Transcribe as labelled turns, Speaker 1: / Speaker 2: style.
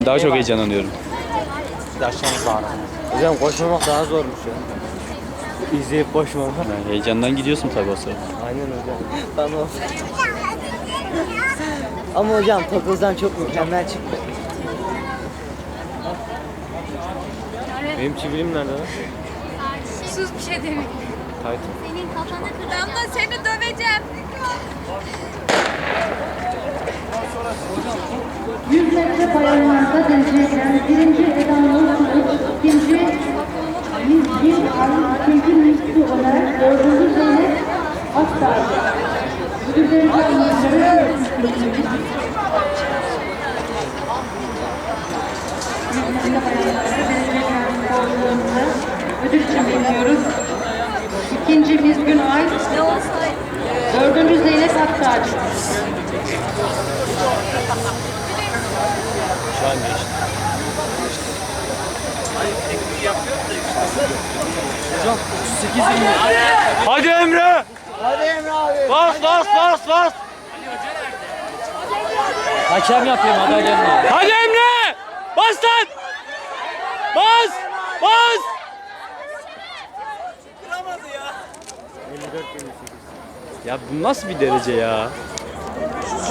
Speaker 1: Daha çok heyecanlanıyorum.
Speaker 2: Yaşlanmış bağıran. Hocam koşmamak daha zormuş ya. İzleyip koşmamak.
Speaker 1: Yani heyecandan gidiyorsun tabii o sırada.
Speaker 2: Aynen hocam. Tamam. Ama hocam Topuz'dan çok mükemmel çıktı. Benim çivilim nerede lan?
Speaker 3: Sus bir şey demek.
Speaker 2: Taytım.
Speaker 3: Senin kafanı kıracağım da seni döveceğim.
Speaker 4: 100 metre bayanlarda dereceye giren birinci Eda Nursu'nun ikinci Mizgin Arın, ikinci Mizgin olarak dördüncü Zeynep Aktar. Müdürlerin anlamları ödül için veriyoruz. İkinci Mizgin Ay, dördüncü Zeynep Aktar.
Speaker 2: Şu an geçti. Hocam 38 bin.
Speaker 1: Hadi Emre!
Speaker 2: Hadi Emre abi.
Speaker 1: Bas bas bas bas!
Speaker 2: Hakem yapıyorum haber gelmiyor.
Speaker 1: Hadi Emre! Bas lan! Bas! Bas!
Speaker 2: 54
Speaker 1: Ya bu nasıl bir derece ya?